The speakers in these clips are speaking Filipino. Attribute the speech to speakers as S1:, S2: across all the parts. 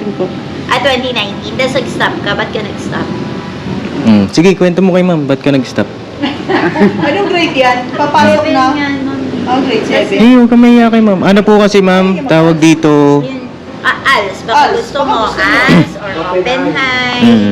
S1: po.
S2: 2019. Tapos nag-stop ka. Ba't ka nag-stop?
S3: Sige, kwento mo kay ma'am, ba't ka nag-stop?
S1: Anong grade yan? Papasok
S2: Seven
S1: na?
S2: nga nun.
S1: Grade 7.
S3: Huwag ka mahiya kay ma'am. Ano po kasi ma'am, tawag dito.
S2: Yun. ALS. Baka
S1: ALS,
S2: gusto
S1: baka
S2: mo.
S1: gusto mo.
S2: ALS or open high.
S3: Mm.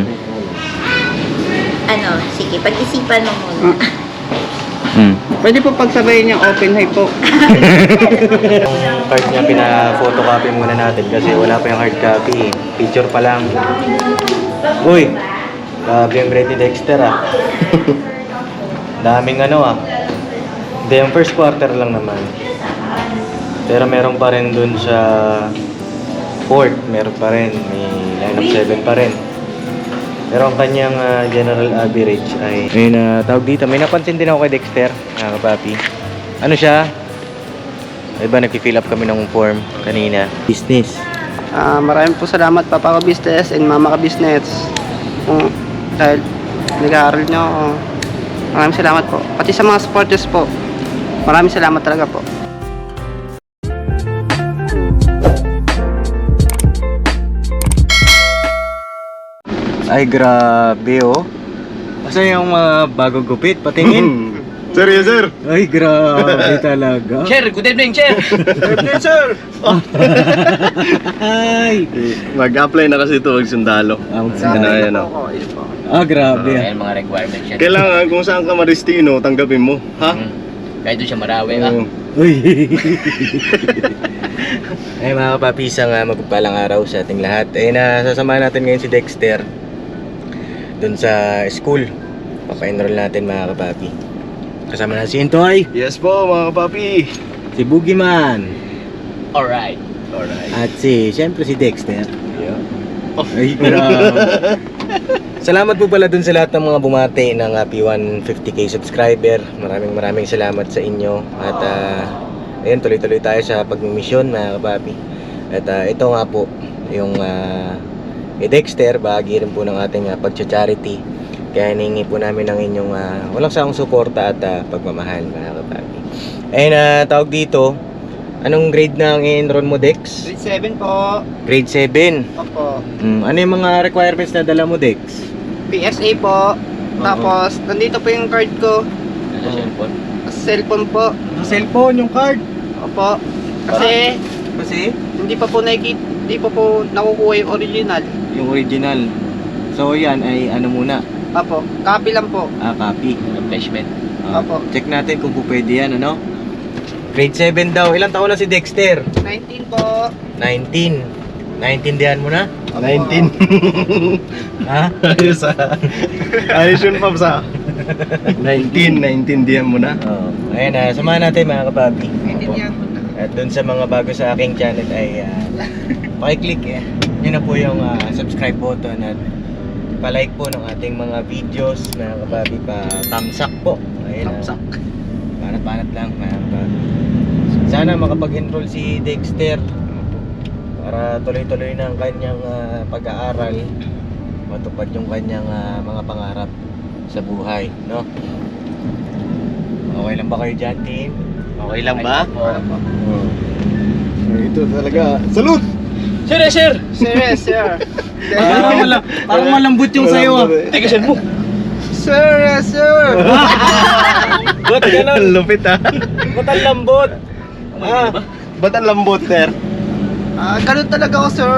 S2: Ano, sige, pag-isipan mo muna.
S1: Pwede po pagsabayin yung open high po.
S3: Yung card niya, pina-photocopy muna natin kasi wala pa yung hard copy. Picture pa lang. Uy! Grabe yung grade ni Dexter ah. Daming ano ah. Hindi, yung first quarter lang naman. Pero meron pa rin dun sa fourth, meron pa rin. May line of 7 pa rin. Pero ang kanyang general average ay... Ayun, tawag dito. May napansin din ako kay Dexter, mga kapapi. Ano siya? Diba, nag-fill up kami ng form kanina. Business.
S4: Maraming po salamat Papa Ka Business and Mama Ka Business. Dahil nag-aaral nyo ako. Maraming salamat po. Pati sa mga supporters po. Maraming salamat talaga po.
S3: Ay, grabe oh. Asa yung mga bagong gupit? Patingin.
S5: Sir, yes sir.
S3: Ay, grabe talaga.
S4: Sir, good evening, Sir!
S5: Yes sir.
S3: Ay.
S5: Mag-apply na kasi ito magsundalo.
S3: Ang
S5: Ano, yan,
S4: po
S5: oh.
S4: ako. Ayun po.
S3: grabe ah.
S6: Mga requirements yan.
S5: Kailangan kung saan ka maristino, tanggapin mo. Ha?
S6: Kahit doon siya marawi
S5: Oo.
S3: Uy. Ay mga kapapisang magpapalang araw sa ating lahat. Ay nasasamahan natin ngayon si Dexter dun sa school. Papa-enroll natin mga kapapi. Kasama na si Intoy,
S5: Yes po mga kapapi.
S3: si Boogeyman,
S6: Alright.
S3: at siyempre si Dexter.
S5: Yeah.
S3: Ay, grabe. Salamat po pala dun sa lahat ng mga bumati ng happy 150k subscriber. Maraming salamat sa inyo. At ayun, tuloy-tuloy tayo sa pagmimisyon mga kapapi. At ito nga po yung Dexter, bahagi rin po ng ating pag-charity. Kaya hiningi po namin ng inyong walang sawang suporta at pagmamahal mga kapapi. Ayun, tawag dito, anong grade na ang i-enroll mo, Dex?
S4: Grade 7 po.
S3: Grade 7.
S4: Opo.
S3: Ano yung mga requirements na dala mo, Dex?
S4: PSA po. Tapos, nandito po yung card ko.
S6: Sa cellphone.
S4: Cellphone po.
S3: Cellphone, yung card.
S4: Opo. Kasi,
S3: Kasi?
S4: hindi pa po nakukuha yung original.
S3: Yung original. So yan ay ano muna?
S4: Opo. Copy lang po.
S3: Copy.
S6: Replacement.
S4: Opo.
S3: Check natin kung pwede yan, ano? Grade 7 daw. Ilang taon na si Dexter?
S4: 19 po.
S3: 19. Naintindihan mo na?
S5: 19.
S3: Ha?
S5: Ayos Ayos yun Pops ha. 19 diyan mo na.
S3: Oo. Ayun, samahan natin mga kapapi.
S4: Naintindihan mo na.
S3: At dun sa mga bago sa aking channel ay pakiclick yun na po yung subscribe button at palike po ng ating mga videos mga kapapi, pa thumbs up po. Ayun,
S4: Thumbs up.
S3: Panat-panat lang mga kapapi. Sana makapag-enroll si Dexter para tuloy-tuloy na ang kanyang pag-aaral, matupad yung kanyang mga pangarap sa buhay, no? Okay lang ba kayo dyan, team? Okay lang ba?
S5: Ito talaga. Salute!
S6: Sir, sir!
S4: Serious, sir.
S3: Parang malambot yung sayo ah.
S6: Teka, sir mo.
S4: Sir, sir.
S3: Ba't ganun?
S5: Lupit ha.
S3: Ba't ang lambot?
S5: Ba't ang lambot sir?
S4: Ganun talaga ako, sir.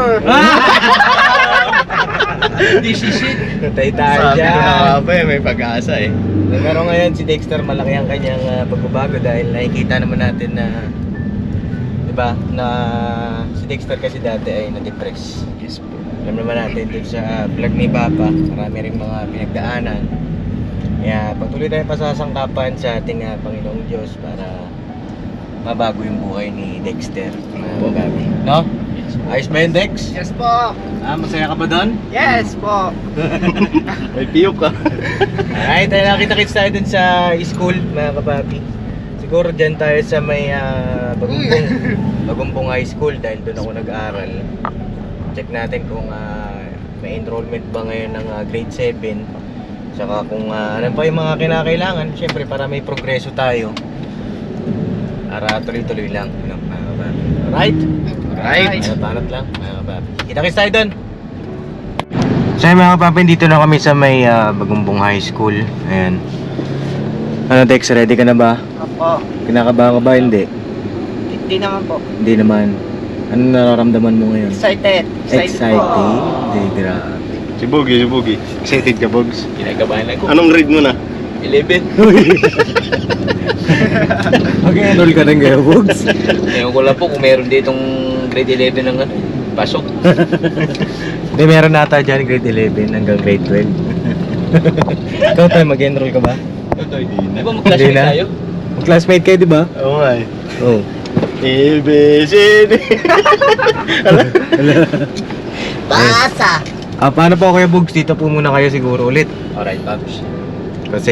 S6: This is it.
S3: Natay tayo
S5: Sabi ko na
S3: dyan.
S5: nga ba may pag-asa eh.
S3: Pero ngayon si Dexter malaki ang kanyang pagbabago dahil nakikita naman natin na, diba, na si Dexter kasi dati ay na-depress.
S5: Yes po.
S3: Alam naman natin dun sa vlog ni Papa, marami rin mga pinagdaanan. Kaya patuloy tayong pasasangkapan sa ating Panginoong Diyos para mabago yung buhay ni Dexter. Magabi. No? Ayos ba yun, Dex?
S4: Yes po.
S3: Masaya ka ba doon?
S4: Yes po.
S5: May piyok ka.
S3: Alright, nakita-kits tayo dun sa school, mga kapapi. Siguro dyan tayo sa may Bagumpong High School dahil doon ako nag-aaral. Check natin kung may enrollment ba ngayon ng grade 7. Tsaka kung ano pa yung mga kinakailangan, syempre para may progreso tayo. Para tuloy-tuloy lang, mga kapapi. Alright?
S5: Right.
S3: Banat lang, mga kapapi. Kita-kits tayo doon. So yun, mga kapapi, dito na kami sa may Bagumbong High School. Ayan. Ano Dex, ready ka na ba?
S4: Opo.
S3: Kinakabahan ka ba? Hindi.
S4: Hindi naman po.
S3: Hindi naman. Ano nararamdaman mo ngayon?
S4: Excited.
S3: Excited? Hindi, grabe.
S5: Si Bogie. Excited ka, Bogs?
S6: Kinakabahan ako.
S5: Anong grade mo na?
S6: 11.
S3: Mag-enroll ka ng gaya, Bogs.
S6: Ngayon ko lang po kung meron ditong grade 11 ng ano, pasok.
S3: Hindi, meron nata dyan grade 11 hanggang grade 12. Ikaw tayo, mag-enroll ka ba?
S6: Di ba mag-classmate
S3: Hindi na.
S6: tayo?
S3: Mag-classmate kayo, di ba?
S5: Oo nga eh.
S3: Oo.
S5: ABCD.
S2: Basa!
S3: Paano po kayo, Bogs? Dito po muna kayo siguro ulit.
S6: Alright, Pops.
S3: Kasi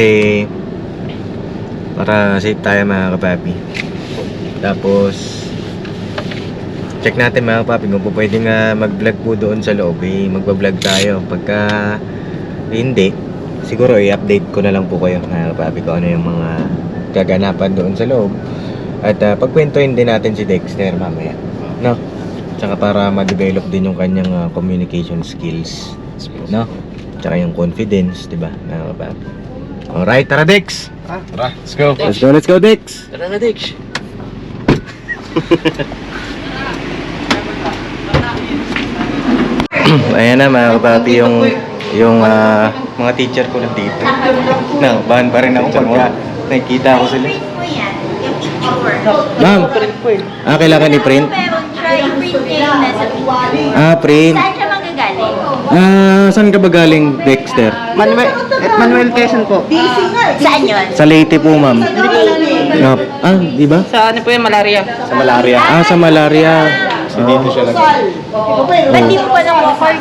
S3: para safe tayo, mga kapapi. Tapos check natin, mga kapapi, kung po pwedeng mag-vlog po doon sa loob. Magpa-vlog tayo. Pagka hindi, siguro i-update ko na lang po kayo, mga kapapi, kung ano yung mga kaganapan doon sa loob. At pagkwentuhin din natin si Dexter mamaya, no? Tsaka para ma-develop din yung kanyang communication skills, no? Tsaka yung confidence, di ba, mga kapapi? Alright, tara Dex!
S5: Tara, let's go.
S3: Let's go Dex!
S6: Tara na, Dex.
S3: Ayan na, mga kapapi, yung mga teacher ko nandito. No, bahan pa rin ako pagka nakikita ko sila.
S2: Print mo yan, yung picture.
S3: Ma'am, kailangan i-print?
S2: Pero try print niya yung nasa picture.
S3: Print.
S2: Saan siya manggagaling?
S3: Saan ka ba galing, Dexter?
S4: Manuel Quezon po.
S2: Saan yun?
S3: Sa Leyte po, ma'am. Di ba?
S4: Sa ano po yung malaria?
S3: Sa malaria. Sa malaria. Dito siya lang.
S2: Ba't di mo pa nang-offer?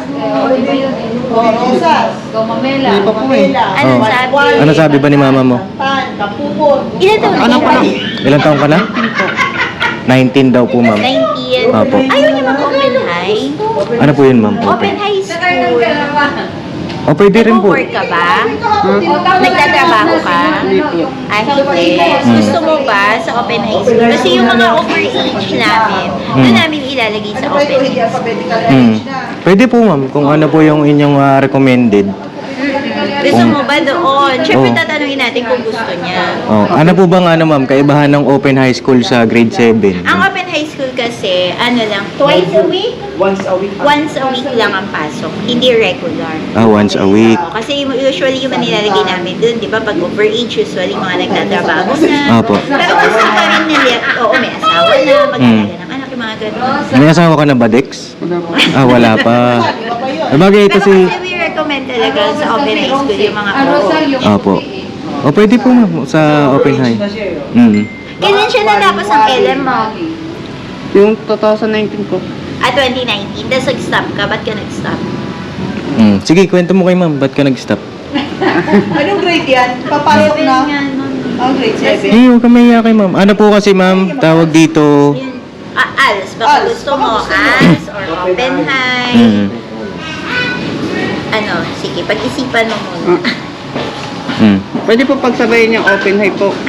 S4: Hindi pa po eh.
S2: Anong sabi?
S3: Ano sabi ba ni mama mo?
S2: Ilan taon
S4: Ano po
S2: na?
S3: Ilang taong ka na? 19 daw po, ma'am.
S2: 19.
S3: Apo.
S2: Ayaw niya mag-open high?
S3: Ano po yun, ma'am?
S2: Open high school.
S3: Pwede rin po.
S2: Nag-work ka ba? Nagtatrabaho ka?
S4: Hindi po.
S2: Hindi. Gusto mo ba sa open high school? Kasi yung mga overage namin, doon namin ilalagay sa open high school.
S3: Pwede po, ma'am. Kung ano po yung inyong recommended.
S2: Gusto mo ba doon? Siyempre
S3: Oo.
S2: tatanungin natin kung gusto niya.
S3: Ano po bang ma'am, kaibahan ng open high school sa grade 7?
S2: Ang open high school kasi, ano lang, twice a week? Once a week lang ang pasok, hindi regular.
S3: Once a week.
S2: Oo, kasi usually yung nilalagay namin dun, di ba, pag overage, usually mga nagtatrabaho na.
S3: Opo.
S2: Pero gusto pa rin nila, oo, may asawa na, mag-alaga ng anak, yung mga ganun.
S3: May asawa ka na ba, Dex? Wala pa. Bagay ito
S2: Pero
S3: si...
S2: kasi we recommend talaga sa open high school yung mga
S3: Opo. Pwede po, ma'am, sa open high.
S2: Kailan siya natapos ang LM mo?
S4: Yung 2019 ko.
S2: 2019, tapos nag-stop ka, ba't ka nag-stop?
S3: Sige, kwento mo kay ma'am, ba't ka nag-stop?
S1: Anong grade yan? Papasok
S2: Seven
S1: na?
S2: nga nun.
S1: Grade 7.
S3: Huwag ka mahiya kay ma'am. Ano po kasi, ma'am, tawag dito...
S2: Yun. ALS, baka
S1: ALS,
S2: gusto mo ALS or open high. Ano, sige, pag-isipan mo muna.
S1: Pwede po pagsabayin yung open high po.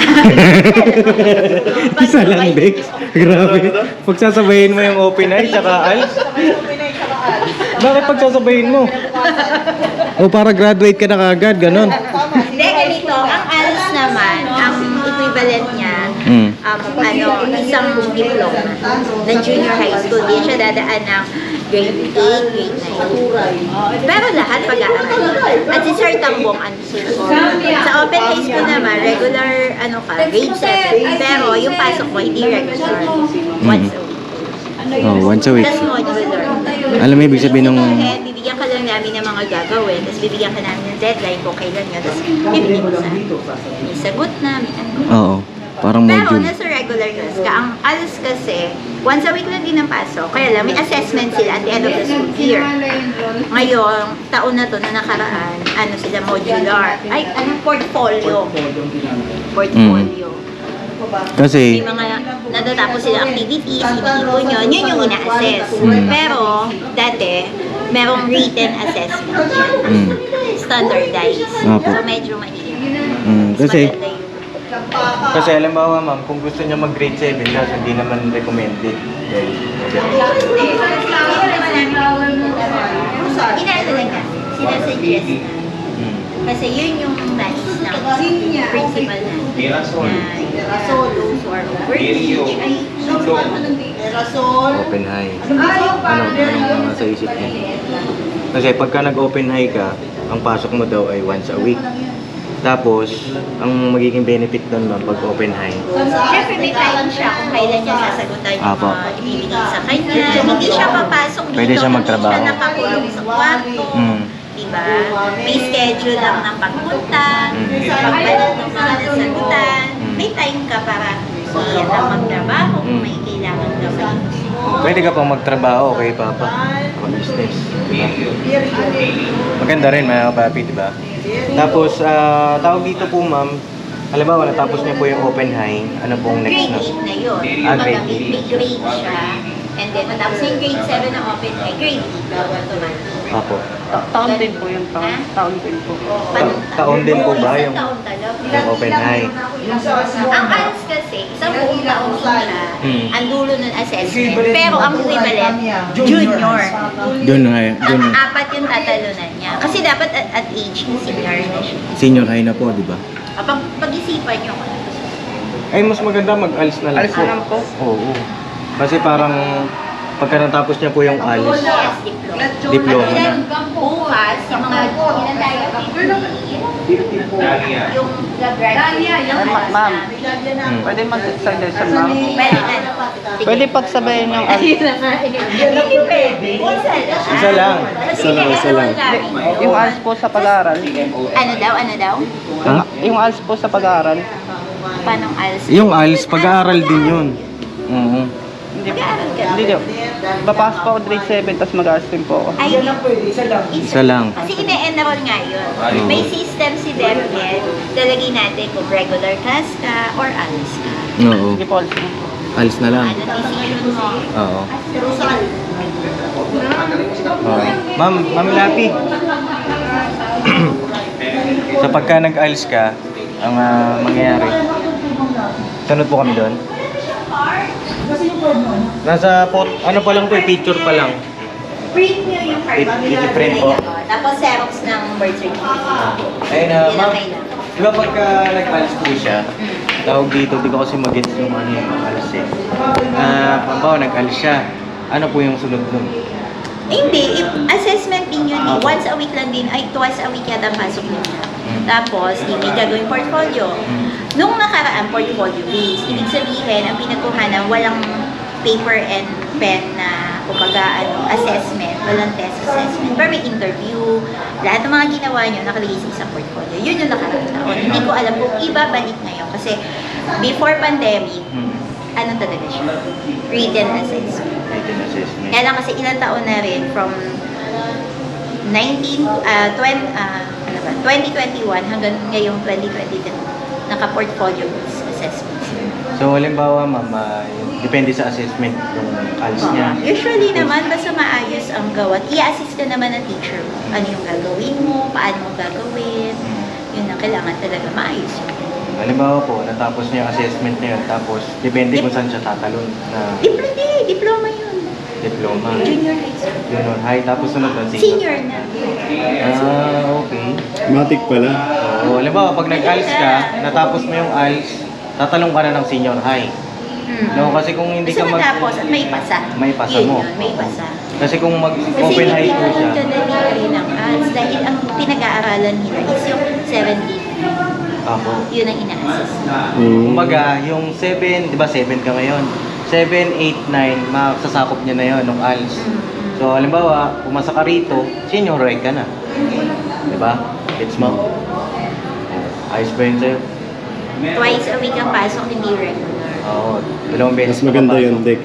S3: Isa lang, Dex. Grabe. Pagsasabayin mo yung open eye tsaka ALS. Bakit pagsasabayin mo? Para graduate ka na kagad, ganon.
S2: Hindi, ganito, ang ALS naman, ang equivalent niya, isang diploma ng junior high school. Di siya dadaan ng grade 8, grade 9. Pero lahat pag-aaral. At si Sir Tambong, sa open high school naman, regular, grade 7. Pero yung pasok mo, hindi regular. Once a week.
S3: Once a week.
S2: Tapos modular.
S3: Alam mo, ibig sabihin ng...
S2: Bibigyan ka lang namin ng mga gagawin, tapos bibigyan ka namin ng deadline kung kailan yun, tapos bibigyan mo sa may sagot na, may ano.
S3: Oo. Parang
S2: Pero
S3: module.
S2: nasa regular class ka, ang ALS kasi, once a week lang din ang pasok, kaya lang may assessment sila at the end of the school year. Ngayon, taon na to na nakaraan, sila modular, portfolio. Portfolio.
S3: Kasi...
S2: May mga natatapos sila activities, iniipon yun yung ina-assess. Pero, dati, merong written assessment yan. Standardized.
S3: Opo.
S2: So, medyo mahirap.
S3: kasi...
S2: Maganda yun.
S3: Kasi halimbawa ma'am, kung gusto niya mag-grade 7, kaso hindi naman recommended. Dahil,
S2: Inaano lang na, sinasuggest na. Kasi yun yung nais ng principal na solos or overage ay
S3: open high. Ano nasa isip niya? Kasi pagka nag-open high ka, ang pasok mo daw ay once a week. Tapos, ang magiging benefit doon ma'am pag open high.
S2: Siyempre may time siya kung kailan niya sasagutan yung
S3: Apo.
S2: mga ibibigay sa kanya. Hindi siya papasok dito.
S3: Pwede siya magtrabaho.
S2: Hindi siya nakakulong sa kwarto. Diba? May schedule lang ng pagpunta, pagbalik ng mga nasagutan. May time ka para magtrabaho kung may kailangan gawin.
S3: Pwede ka pang magtrabaho kay Papa. Business. Diba? Maganda rin mga kapapi, diba? Tapos, tawag dito po ma'am, halimbawa natapos niya po yung open high, ano pong next
S2: Grade
S3: na?
S2: 8 na yun.
S3: Grade
S2: May grade siya. And then, matapos yung grade 7 na open high, grade 8 daw automatic.
S3: Apo.
S4: Taon din po yun, taon din po.
S3: Taon din po ba yung-
S2: Isang taon talaga.
S3: Yung open high.
S2: Ang ALS kasi, isang buong taon siya, ang dulo ng assessment. Pero ang equivalent, junior.
S3: Doon high. Doon.
S2: Apat yung tatalunan niya. Kasi dapat at age, senior na siya.
S3: Senior high na po, diba?
S2: Pag-isipan niyo kung ano gusto niyo.
S3: Ay, mas maganda mag-ALS na lang
S4: Alis na lang po.
S3: Oo. Kasi parang pagka natapos niya po yung ALS,
S2: Yes, diploma.
S3: Diploma na.
S2: At then, bukas, yung mga ilan tayo, 50, yung graduate ng ALS
S4: Ma'am.
S2: namin.
S4: Pwede mag-suggestion, ma'am.
S2: Pwede na.
S4: Pwede pagsabayin yung
S2: Hindi pwede.
S3: Isa lang.
S2: Isa lang.
S4: yung ALS po sa pag-aaral.
S2: Ano daw?
S3: Ha?
S4: Yung ALS po sa pag-aaral.
S2: Paano ALS?
S3: Yung ALS, pag-aaral din yun. Oo.
S4: Hindi po.
S2: Mag-aaral ka.
S4: Hindi po. Papasok po ako grade 7, tapos mag-ALS din po ako.
S2: Ay,
S3: Isa lang.
S2: Kasi ine-enroll nga yun. May system si DepEd. Lalagay natin kung regular class ka or ALS ka.
S3: Oo.
S4: Sige po, ALS na.
S3: ALS na lang.
S2: Ano decision mo?
S3: Oo. Oo. Ma'am Lapi. Sa pagka nag-ALS ka, ang mangyayari, sunod po kami doon. Nasa ano pa lang po, picture pa lang.
S2: Print nyo yung card.
S3: I-print po.
S2: Tapos Xerox ng birth certificate.
S3: Ayun
S2: Yun ang
S3: ma'am.
S2: kailangan.
S3: Di ba pagka nag-ALS po siya, tawag dito, di ko kasi mag-gets yung ano yung ALS eh. Pambawa, nag-ALS siya. Ano po yung sunod nun?
S2: Hindi, assessment din yun eh. Once a week lang din, ay twice a week yata ang pasok niya. Tapos, di may gagawin portfolio. Nung nakaraan, portfolio based. Ibig sabihin, ang pinagkuhanan, walang paper and pen na kumbaga assessment, walang test assessment. Pero may interview, lahat ng mga ginawa nyo nakalagay sa isang portfolio. Yun yung nakaraan taon. Hindi ko alam kung ibabalik ngayon kasi before pandemic, ano talaga siya? Written assessment.
S3: Written assessment.
S2: Kaya lang kasi ilang taon na rin from 2021 hanggang ngayong 2022 naka-portfolio assessment.
S3: So, halimbawa, ma'am, depende sa assessment yung ALS niya.
S2: Usually naman, basta maayos ang gawat, i-assist ka naman ng teacher mo. Ano yung gagawin mo, paano mo gagawin, yun ang kailangan talaga maayos yun.
S3: Halimbawa po, natapos niya yung assessment niya, tapos depende kung saan siya tatalon na
S2: Diploma yun.
S3: diploma.
S2: Junior high school.
S3: Junior high, tapos sunod na
S2: Senior na.
S3: Okay.
S5: Matic pala.
S3: So, halimbawa, pag nag-ALS ka, natapos mo yung ALS, tatalong ka na ng senior high. No, kasi kung hindi
S2: Basta
S3: ka
S2: matapos at may pasa.
S3: May pasa
S2: Yun
S3: mo.
S2: yun, may pasa.
S3: Kasi kung
S2: Kasi
S3: mag-open high
S2: hindi
S3: po siya,
S2: naman kadali ng ALS dahil ang pinag-aaralan nila is yung 70.
S3: ako.
S2: Yun ang ina-assess.
S3: Kumbaga, yung 7, di ba 7 ka ngayon? 7, 8, 9, masasakop niya na yun, nung ALS. So, halimbawa, pumasa ka rito, senior high ka na. Di ba? Gets mo? Ayos ba yun sa'yo?
S2: Twice a week ang pasok, hindi regular.
S3: Oo, dalawang beses.
S5: Mas maganda
S3: papasok.
S5: yung Dex.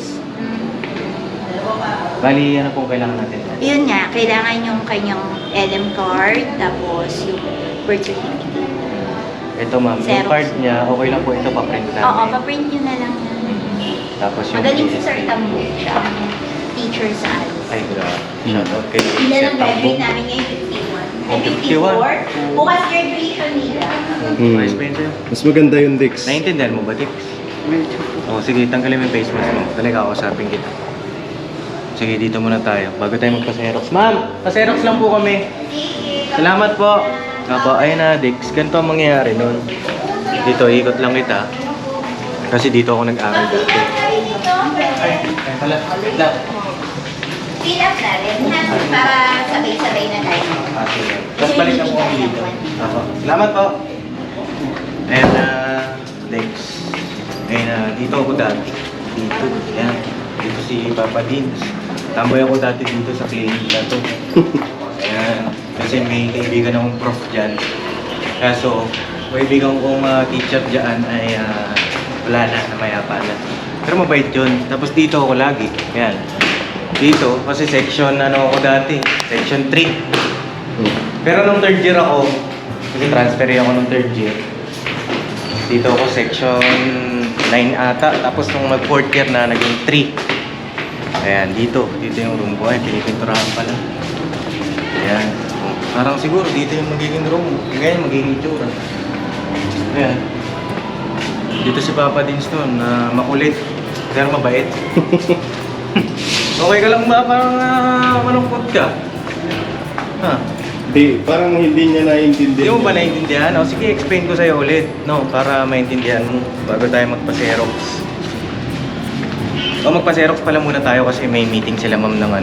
S3: Bali, ano pong kailangan natin?
S2: Yun nga, kailangan yung kanyang LM card, tapos yung birth certificate.
S3: Ito ma'am, yung
S2: Xerox.
S3: card niya, okay lang po ito, pa-print namin.
S2: Oo, pa-print nyo na lang yan.
S3: Tapos yung
S2: Magaling si
S3: PSA.
S2: Sir Tambo, siya ang teacher sa ALS.
S3: Ay, grabe. Shoutout kay
S2: Ilan ang
S3: Sir Tambo.
S2: graduate namin ngayon? 51. Ay,
S3: 51.
S2: 54. Bukas graduation nila.
S3: Ay, Spencer.
S5: Mas maganda yung Dex.
S3: Naiintindihan mo ba, Dix?
S4: Medyo po.
S3: Oo, sige, tanggalin mo yung face mask mo. Talaga ako, usapin kita. Sige, dito muna tayo. Bago tayo magpa-Xerox. Ma'am, pa-Xerox lang po kami. Salamat po. Opo, ayun na, Dix. Ganito ang mangyayari nun. Dito, ikot lang kita. Kasi dito ako nag-aral dati. Ay pala. Wait lang.
S2: Fill up na rin, ha? Para sabay-sabay na tayo.
S3: Sige. Tapos balik na po kami dito. Opo. Salamat po. And, Dex. Ayun, dito ako dati. Dito. Yan. Dito si Papa Dins. Tamboy ako dati dito sa clinic na to. Ayan. Kasi may kaibigan akong prof dyan. Kaso, kaibigan kong teacher dyan ay wala na, namayapa na. Pero mabait yun. Tapos dito ako lagi. Ayan. Dito, kasi section ako dati. Section 3. Pero nung third year ako, kasi transfer ako nung third year. Dito ako section 9 ata. Tapos nung mag-fourth year na, naging 3. Ayan, dito. Dito yung room ko. Ayan, pinipinturahan pala. Ayan. Parang siguro dito yung magiging room. Ngayon, magiging itsura. Ayan. Dito si Papa Dins nun, makulit. Pero mabait. Okay ka lang ba? Parang malungkot ka. Ha?
S5: Di, parang hindi niya naiintindihan.
S3: Hindi mo ba naiintindihan? O sige, explain ko sa'yo ulit. No, para maintindihan mo bago tayo magpa-Xerox. O magpa-Xerox pala muna tayo kasi may meeting sila ma'am ng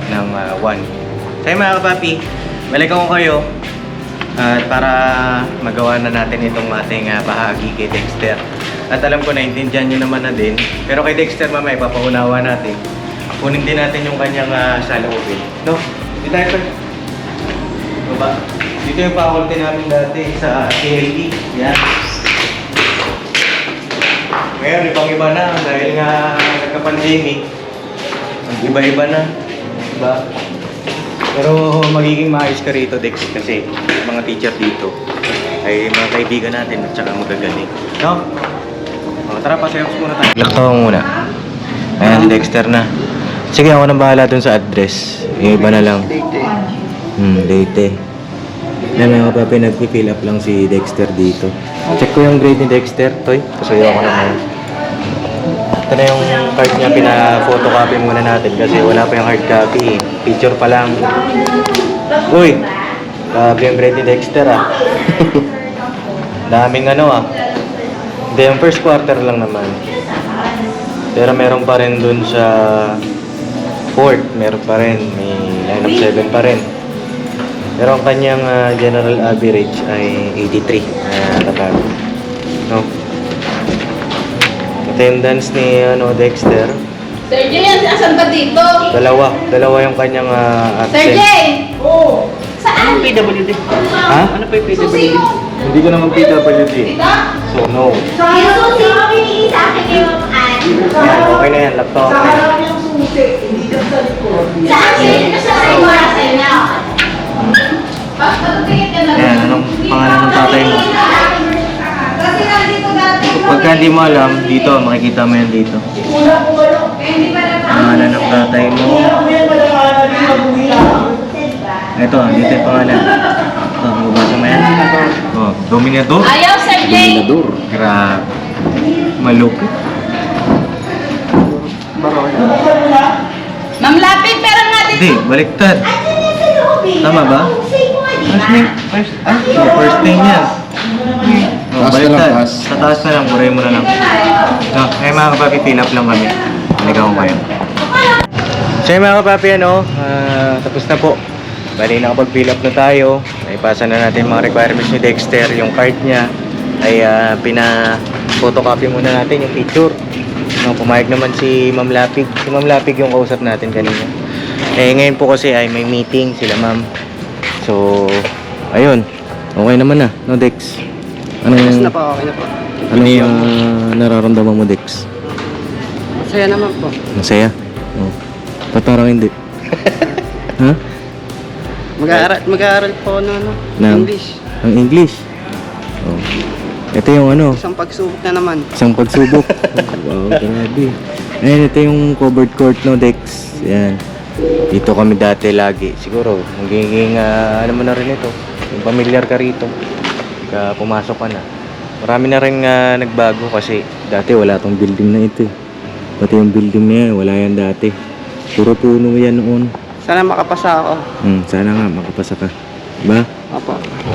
S3: 1. Tayo mga kapapi, balikan ko kayo para magawa na natin itong ating bahagi kay Dexter. At alam ko naintindihan nyo naman na din. Pero kay Dexter mamaya ipapaunawa natin. Kunin din natin yung kanyang saloobin. No? Dito tayo sir. Diba? Dito yung faculty namin dati sa KLE. Yan. Ngayon, ibang-iba na dahil nga nagka-pandemic. Iba-iba na. Diba? Pero magiging maayos ka rito, Dex, kasi mga teacher dito ay mga kaibigan natin at saka magagaling. No? O, tara, pa-Xerox muna tayo. Lakto muna. Ayan, si Dexter na. Sige, ako nang bahala dun sa address. Yung iba na lang. Date. Yan mga papi, nag-fill up lang si Dexter dito. Check ko yung grade ni Dexter, Toy. Kasuyo ako naman. Ito na yung card niya, pina-photocopy muna natin kasi wala pa yung hard copy. Picture pa lang. Uy! Grabe yung grade ni Dexter Daming Hindi, yung first quarter lang naman. Pero meron pa rin dun sa fourth, meron pa rin. May line of 7 pa rin. Pero ang kanyang general average ay 83. No? Attendance ni Dexter.
S7: Sir Jay, asan ba dito?
S3: Dalawa yung kanyang
S7: Sir
S3: absent.
S7: Jay! Oo. Saan?
S4: PWD.
S3: Ha?
S4: Ano pa yung PWD?
S7: Susi mo.
S3: Hindi ko naman PWD.
S7: Dito?
S3: So no.
S2: Yung susi mo pinili sa akin yung
S3: Yan, okay na yan. Laptop.
S7: Sa harap yung susi, hindi dyan sa likod.
S2: Sa akin, sa akin na.
S7: Basta tingin ka na.
S3: Yan, anong pangalan ng tatay mo?
S7: Kasi nandito dati.
S3: Pagka hindi mo alam, dito, makikita mo yan dito.
S7: Una ko kayo. Eh, hindi pa na.
S3: Pangalan ng tatay mo. Ito, dito yung pangalan. Ito, mabasa mo yan. Oh, Dominador.
S7: Ayaw, Sir Jay!
S3: Grabe. Malupit.
S7: Ma'am Lapid, pera nga dito.
S3: Hindi, baliktad. Tama ba? First name yan. Oh, baliktad. Sa taas na lang, buray mo na lang. No, mga kapapi, fill up lang kami. Halika ko kayo. So mga kapapi, tapos na po. Bali, nakapag-fill up na tayo. Naipasa na natin mga requirements ni Dexter. Yung card niya ay pina-photocopy muna natin yung picture. Pumayag naman si Ma'am Lapig. Si Ma'am Lapig yung kausap natin kanina. Ngayon po kasi ay may meeting sila Ma'am. So, ayun. Okay naman na, no Dex?
S4: Yes na po, okay na po.
S3: Ano yung nararamdaman mo, Dex?
S4: Masaya naman po.
S3: Masaya? Oh. Ba't parang hindi? Ha?
S4: Mag-aaral po
S3: Ng
S4: English.
S3: Ang English? Oh. Ito yung
S4: Isang pagsubok na naman.
S3: isang pagsubok. Wow, grabe. Ayan, ito yung covered court, no, Dex. Yan. Dito kami dati lagi. Siguro, magiging ano mo na rin ito. Yung familiar ka rito. Pagka pumasok ka na. Marami na rin nagbago kasi dati wala tong building na ito. Pati yung building na yan, wala yan dati. Puro puno yan noon.
S4: Sana makapasa ako.
S3: Sana nga makapasa ka. Diba?
S4: Opo.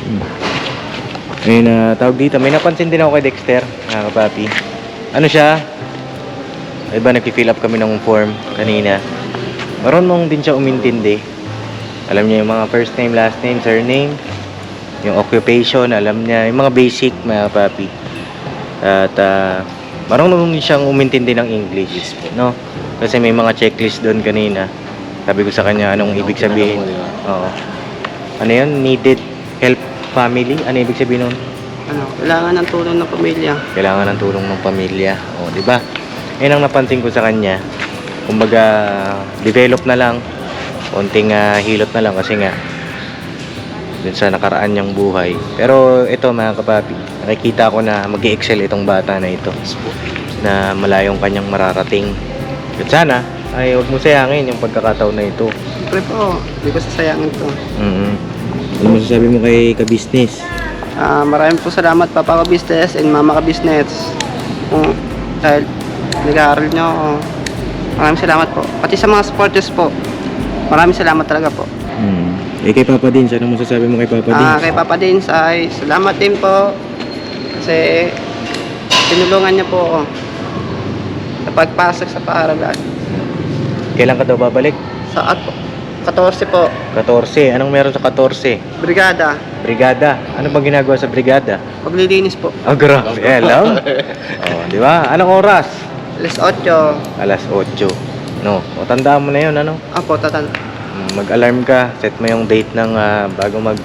S3: Ayun, tawag dito. May napansin din ako kay Dexter, mga kapapi. Ano siya? Diba nag-fill up kami ng form kanina. Marunong din siya umintindi. Alam niya yung mga first name, last name, surname. Yung occupation, alam niya. Yung mga basic, mga kapapi. At marunong din siyang umintindi ng English. No? Kasi may mga checklist doon kanina. Sabi ko sa kanya anong ibig sabihin. Oo. Ano yun? Needed help family? Ano ibig sabihin nun?
S4: Ano, kailangan ng tulong ng pamilya.
S3: Kailangan ng tulong ng pamilya. O, di ba? Yan ang napansin ko sa kanya. Kumbaga, develop na lang. Konting hilot na lang kasi nga dun sa nakaraan niyang buhay. Pero ito mga kapapi, nakikita ko na mag-i-excel itong bata na ito. Na malayong kanyang mararating. At sana, ay huwag mo sayangin yung pagkakataon na ito.
S4: Siyempre po, hindi ko sasayangin to.
S3: Ano masasabi mo kay ka-business?
S4: Maraming po salamat Papa Ka-Business and Mama Ka-Business. Dahil nag-aaral nyo ako. Maraming salamat po. Pati sa mga supporters po. Maraming salamat talaga po.
S3: Kay Papa Dins, ano masasabi mo kay Papa Dins?
S4: Kay Papa Dins ay salamat din po. Kasi tinulungan niya po ako sa pagpasok sa paaralan.
S3: Kailan ka daw babalik?
S4: Sa 14 po.
S3: 14. Anong meron sa 14?
S4: Brigada.
S3: Brigada. Ano bang ginagawa sa brigada?
S4: Paglilinis po.
S3: Oh, grabe. Hello. Oh, di ba? Anong oras?
S4: Alas 8.
S3: Alas 8. No. O, tandaan mo na yun, ano?
S4: Apo, tatan.
S3: Mag-alarm ka. Set mo yung date ng bago mag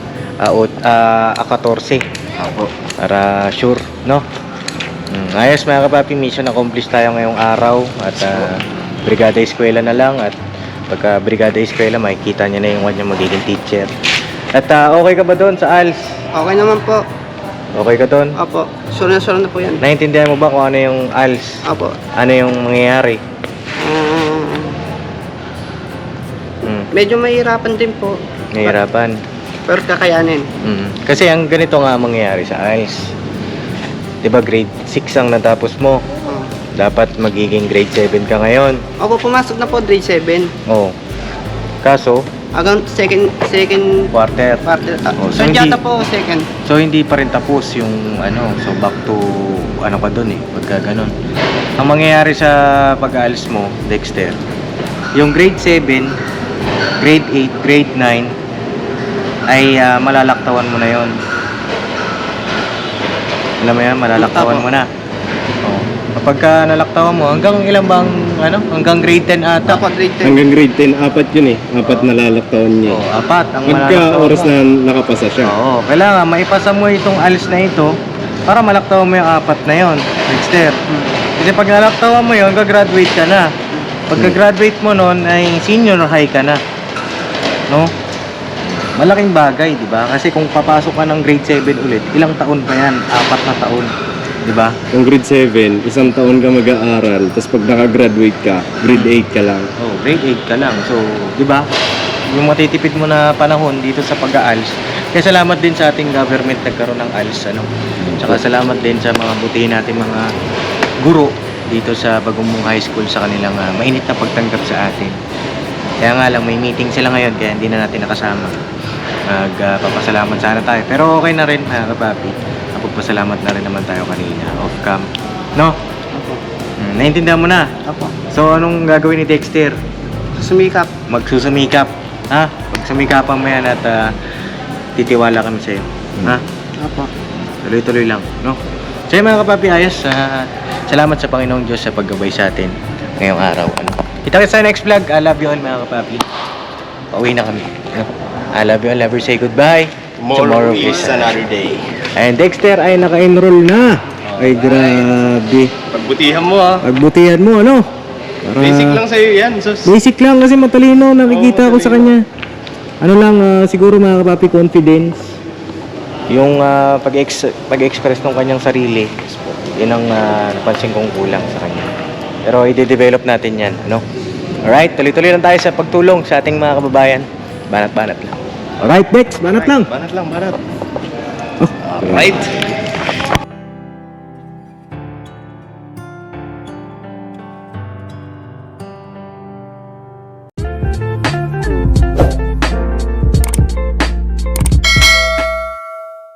S3: 14.
S4: Apo.
S3: Para sure, no? Ayos mga kapapi, mission accomplished tayo ngayong araw. At brigada eskwela na lang. At pagka brigada eskwela, makikita niya na yung kanya magiging teacher. At okay ka ba doon sa ALS?
S4: Okay naman po.
S3: Okay ka doon?
S4: Apo. Sure na po yan.
S3: Naintindihan mo ba kung ano yung ALS?
S4: Apo.
S3: Ano yung mangyayari?
S4: Medyo mahirapan din po.
S3: Nahihirapan.
S4: Pero kakayanin.
S3: Kasi ang ganito nga mangyayari sa ALS. Diba grade 6 ang natapos mo? Dapat magiging grade 7 ka ngayon.
S4: Ako pumasok na po grade 7.
S3: Oh. Kaso,
S4: Hanggang second
S3: quarter.
S4: so
S3: so
S4: yata po second.
S3: So hindi pa rin tapos yung ano, so back to ano ka doon pagka ganun. Ang mangyayari sa pag-aalis mo, Dexter, yung grade 7, grade 8, grade 9 ay malalaktawan mo na yon. Alam mo yan, malalaktawan mo na. Oh. Kapag nalaktawan mo, hanggang ilang bang hanggang grade 10 ata.
S4: Ako grade 10.
S5: Hanggang grade 10, 4 yun Apat na lalaktaon niya.
S3: Oh, 4 ang
S5: Pagka
S3: malalaktawan
S5: oras
S3: mo.
S5: na nakapasa siya.
S3: Oo, kailangan maipasa mo itong ALS na ito para malaktawan mo yung 4 na yon, Dexter. Kasi pag nalaktawan mo yon, gagraduate ka na. Pagka-graduate mo nun ay senior high ka na. No? Malaking bagay, di ba? Kasi kung papasok ka ng grade 7 ulit, ilang taon pa yan? 4 na taon. Di ba?
S5: Kung grade 7, isang taon ka mag-aaral, tapos pag nakagraduate ka, grade 8 ka lang.
S3: Oh, grade 8 ka lang. So, di ba? Yung matitipid mo na panahon dito sa pag-ALS. Kaya salamat din sa ating government nagkaroon ng ALS, Tsaka salamat din sa mga butihin natin mga guro dito sa Bagong High School sa kanilang mainit na pagtanggap sa atin. Kaya nga lang may meeting sila ngayon kaya hindi na natin nakasama. Magpapasalamat sana tayo. Pero okay na rin mga kapapi. Magpapasalamat na rin naman tayo kanina off cam. No? Naintindihan mo na?
S4: Apo.
S3: So anong gagawin ni Dexter?
S4: Sumikap.
S3: Magsusumikap. Ha? Magsumikapan mo yan at titiwala kami sa'yo. Ha?
S4: Apo.
S3: Tuloy-tuloy lang. No? So yun, mga kapapi, ayos. Salamat sa Panginoong Diyos sa paggabay sa atin ngayong araw. Kita sa next vlog. I love you all mga kapapi. Pauwi na kami. I love you all. Never say goodbye.
S5: Tomorrow is another day.
S3: And Dexter ay naka-enroll na. Ay grabe.
S5: Pagbutihan mo
S3: Pagbutihan mo, ano? Para...
S5: Basic lang sa'yo yan. Sus.
S3: Basic lang kasi matalino. Nakikita ko sa kanya. Ano lang, siguro mga kapapi, confidence. Yung pag-express ng kanyang sarili. Yun ang napansin kong kulang sa kanya. Pero i-develop natin yan, ano? Alright, tuloy-tuloy lang tayo sa pagtulong sa ating mga kababayan. Banat-banat lang. Alright, next, banat lang.
S5: Banat lang, banat.
S3: Alright.